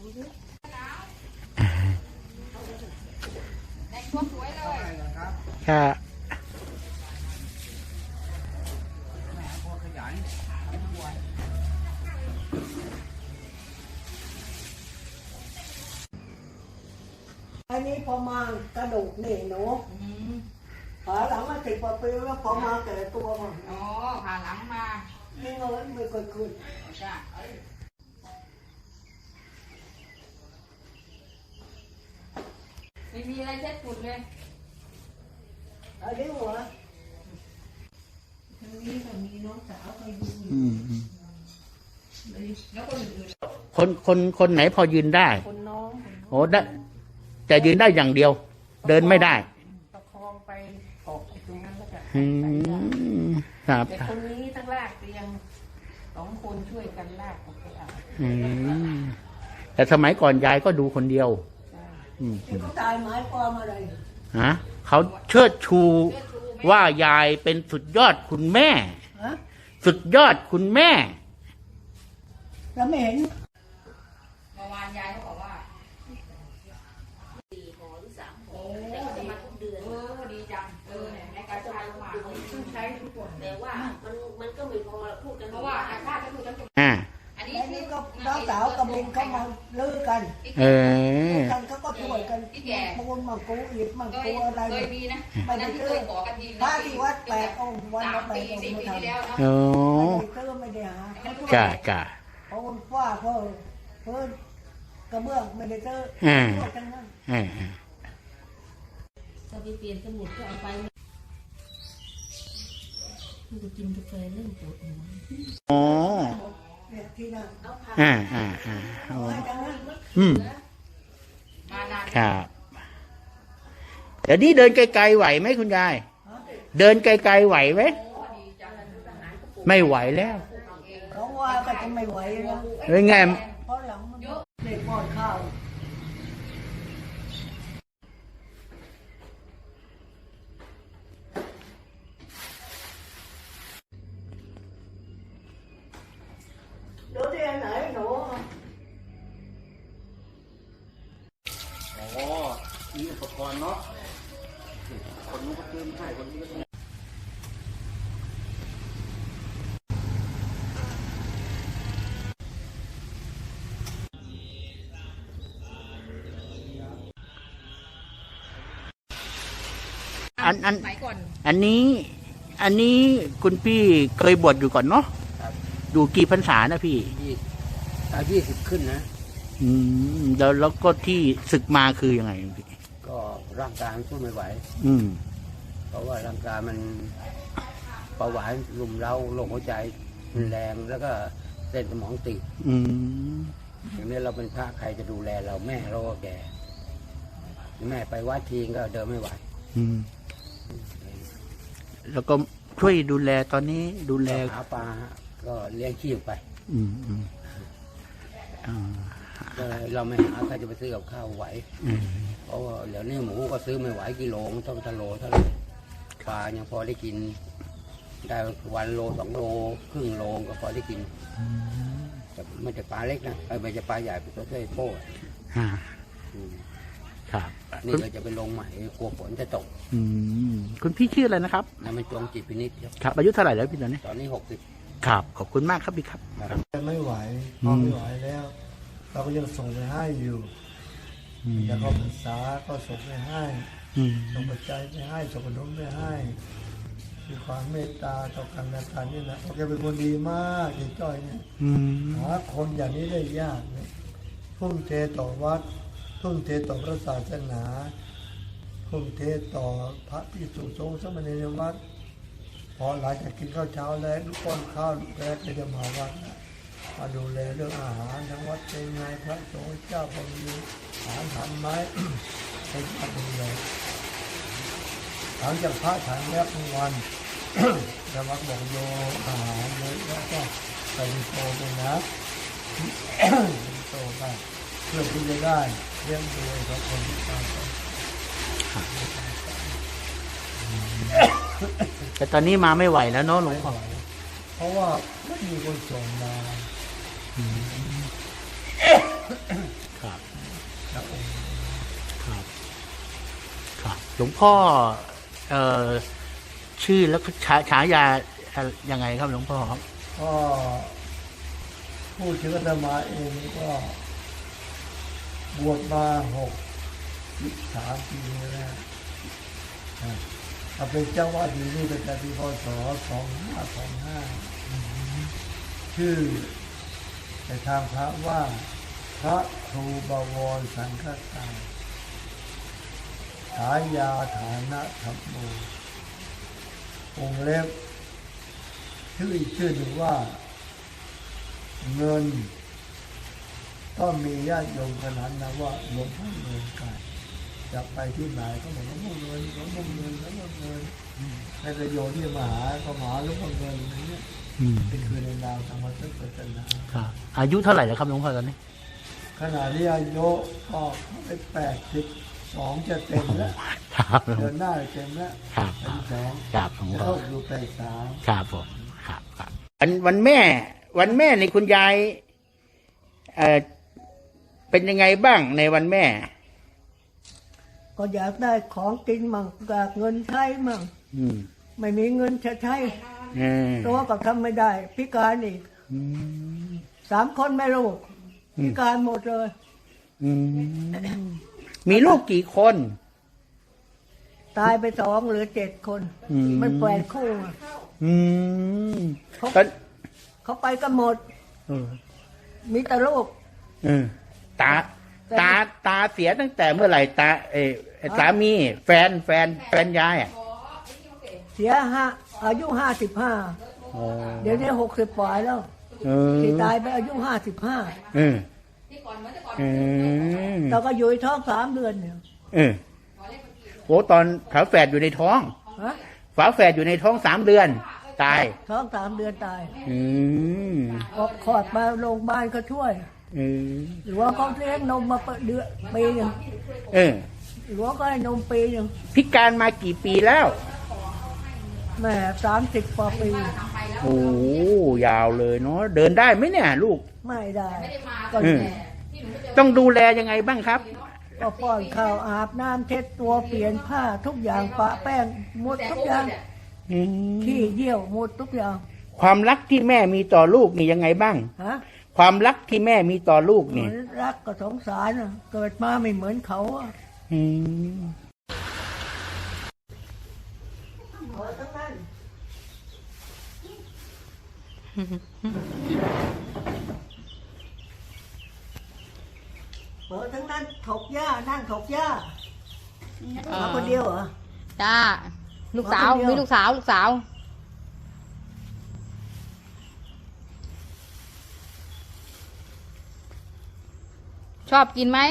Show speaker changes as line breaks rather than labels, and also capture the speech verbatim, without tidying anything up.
แต่งตัวสวยเลย
ค่ะ
อันนี้พอมากระดูกนี่หนูขาหลังมาสิบกว่าปีแล้วพอมาแก่ตัวมา
อ๋อผ่าหลังมา
นี่เงินไม่เคยคืน
จ้ะไม่มีอะไรเช็ดฝุ่นเลย
อันนี้หัวทางนี้ก็มีน้องสาวคอยดู
แล้วคนอื่น
คนคนคนไหนพอยืนได้
คนน้อง
โอ้ได้แต่ยืนได้อย่างเดียวเดินไม่ได้
ประคองไปออกตรงนั้นแล้วก็
อืมครับ
แต่คนนี้ทั้งลากเตียงสองคนช่วยกันลากออกไปเอา
อืมแต่สมัยก่อนยายก็ดูคนเดียว
ที่เขาตายหมายความอะไร
ฮะเขาเชิดชูว่ายายเป็นสุดยอดคุณแม่สุดยอดคุณแม่
แล้วไม่เห็น
เมื่อวานยายเขาบอกว่าสี่หอหรือสามหอแต่เขาจะมาทุกเดือนเออดีจังเออในการใช้มาต้องใช้ทุกคนแต่ว่ามันมันก็มีพอมาพูดกันเพราะว่าอาชาติก็พูดกัน
อ่า
อันนี้นี่ก็น้องสาวกับลุงเขามาลื้อกัน
เออ
กันเขาก็ช่วยกันปูนมากูอิฐมากูอะไร
เคยมีนะ
ไม่ได้ซื้อพระที่วัดแปดองค์วันละแปดองค์มาทำ
โอ้
ไม่ได้ซื้อไม่ได้หา
จ้าจ้า
เพราะมันฟ้าเพราะเพิ่นกระเบื้องไม่ได้ซื้อช่วยกันนั่น
ถ้าไปเปลี่ยนสมุดก็เอาไปมันจะกินกาแฟเริ่มปวดหัว
อ๋ออ่าอ่าอ่าอืมครับเดี๋ยวนี้เดินไกลๆไหวไหมคุณยายเดินไกลๆไหวไหมไม่ไหวแล้ว
เขาว่าก็จะไม่ไหวแล้ว
เป็นไง
เพราะหลังมันเด็กป้อนข้าวดูที่อันไหนหนู
อ๋อมีอุปกรณ์เนาะคนนู้นก็ซื้อมาให้คนนี้ก็ซื้ออันอันอันนี้อันนี้คุณพี่เคยบวชอยู่ก่อนเนาะอยู่กี่พรรษานะพี่
อายี่สิบขึ้นนะ
อืมแล้วแล้วก็ที่ศึกมาคือยังไงพี่
ก็ร่างกายมันสู้ไม่ไหว
อืม
เพราะว่าร่างกายมันเบาหวานรุมเร้าโรคหัวใจมันแรงแล้วก็เส้นสมองตีบ
อืม
อย่างนี้เราเป็นพระใครจะดูแลเราแม่เราก็แก่แม่ไปวัดทีก็เดินไม่ไหว
อืมแล้วก็ช่วยดูแลตอนนี้ดูแล
หาปลาก็เลี้ยงชีพไป
อืมอืม
เราไม่หาใครจะไปซื้อกับข้าวไหวเพราะว่าเดี๋ยวนี้หมูก็ซื้อไม่ไหวกิโลต้องทะโลเท่าไหร่ปลายังพอได้กินได้วันโลสองโลครึ่งโลก็พอได้กินแต่ไม่จะปลาเล็กนะไม่จะปลาใหญ่เป็นตัวเท่โป้
ครับ
นี่เราจะไปลงใหม่กลัวฝนจะตก
คุณพี่ชื่ออะไรนะครับ
นายมันจงจิตพินิจ
ครับอายุเท่าไหร่แล้วพี่ตอนนี้
ตอนนี้หกสิบ
ครับขอบคุณมากครับพี่ครับ
ไม่ไหวพอไม่ไหวแล้วเราก็ยังส่งไปให้อยู่แล้วก็ภาษาก็ส่งไปให้ส่งปัจจัยไปให้ส่งขนมไปให้มีความเมตตาต่อกันและกันนี่นะแกเป็นคนดีมากเจ้จ้อยเนี่ยหาคนอย่างนี้ได้ยากเนี่ยทุ่มเทต่อวัดทุ่มเทต่อพระศาสนาทุ่มเทต่อพระภิกษุสงฆ์สมณเณรวัดพอหลังจากกินข้าวเช้าแล้วลูกป้อนข้าวลูกแรกก็จะมาวัดมาดูแลเรื่องอาหารทั้งวัดเป็นไงพระสงฆ์เจ้าพอมีอาหารทำไหมให้พระดูแลหลังจากพระฉันแล้วทุกวันจะมักบอกโยอาหารเลยแล้วก็ไปโตไปนะโตไปเพื่อที่จะได้เลี้ยงดูกับคนที่ตายไป
แต่ตอนนี้มาไม่ไหวแล้วเนาะหลวงพ่อ
เพราะว่าไม่มีคนส่งมา
ควงพ่อเอ่อชื่อแล้วก็ฉาฉายาอะไรยังไงครับหลวงพ่อครับ
ก็พูดถึงอาตมาเองก็บวชมาหกสิบสามปีแล้วเอาเป็นเจ้าวาดอยู่นี่ตั้งแต่ปีพศสองห้าสองห้าชื่อในทางพระว่าพระครูบวรสังฆทานฉายาฐานะธรรมโมองค์เล็บชื่ออีกชื่อหนึ่งว่าเงินก็มีญาติโยมขนาดนะว่าหลวงพ่อเงินกันจะไปที่ไหนก็บอกหลวงพ่อเงินหลวงพ่อเงินหลวงพ่อเงินในประโยชน์ที่มาหาก็มาหาหลวงพ่อเงินอย่างนี้
อืม
เป็นคือในนามธรรมสัจจนา
ครับอายุเท่าไหร่แล้วครับหลวงพ่อตอนนี้
ขณะที่อายุก็ไปแปดสิบสองจะเต็มแล้ว
ครับ
เดือนหน้าจะเต็มแล้ว
ครับ
แปดสิบสอง
ครับหลวง
จะ
พ่อ
เข้าสู่แปดสาม
ครับผมครับครับวันวันแม่ วันแม่ในคุณยายเอ่อเป็นยังไงบ้างในวันแม่
ก็อยากได้ของกินมั่งอยากเงินใช้มั่ง
อืม
ไม่มีเงินจะใช้
เออ
ตัวก็ทำไม่ได้ พิการอีก
อืม
สามคนแม่ลูก
อืม
พิการหมดเลย
อืมมีลูกกี่คน
ตายไปสองเหลือเจ็ดคน
อืม
มันแปดคู่อะ
อืม
เขา
ตอน
เขาไปกันหมด
เออ
มีแต่ลูก
เออตา ตาตาเสียตั้งแต่เมื่อไหร่ตาเออสามีแฟนแฟนแฟนยายอ่ะ
เสียห้าอายุห้าสิบห้า
อ๋อ
เดี๋ยวนี้หกสิบปลายแล้ว
เออ
ที่ตายไปอายุห้าสิบห้า
เออเออ
เราก็อยู่ในท้องสามเดือนเนี่ย
เออโหตอนฝาแฝดอยู่ในท้อง
ฮะ
ฝาแฝดอยู่ในท้องสามเดือน ตาย
ท้องสามเดือนตาย
อืม
ออกคลอดมาโรงพยาบาลก็ช่วย
เออ
หรือว่าเขาเลี้ยงนมมาเดือนปีหนึ่ง
เออ
หรือว่าก็ให้นมปีหนึ่ง
พิการมากี่ปีแล้ว
แม่สามสิบกว่าปี
โอ้ยาวเลยเนาะเดินได้ไหมเนี่ย ลูก
ไม่ได้ก็
อืม ต้องดูแลยังไงบ้างครับ
ก็ป้อนข้าวอาบน้ำเช็ดตัวเปลี่ยนผ้าทุกอย่างปะแป้งหมดทุกอย่าง
อืม
ขี้เยี่ยวหมดทุกอย่าง
ความรักที่แม่มีต่อลูกนี่ยังไงบ้าง
ฮะ
ความรักที่แม่มีต่อลูก
เหมื
นี่
อนรักก็สงสารน่ะเกิดมาไม่เหมือนเขาอะ
อืม
เออทั้งนั้นเออทั้งนั้นถกหญ้านั่งถกหญ้ามาคนเดียวเหรอ
จ้า ลูกสาว
มาคนเดียว
มีลูกสาว ลูกสาว ชอบกินไหม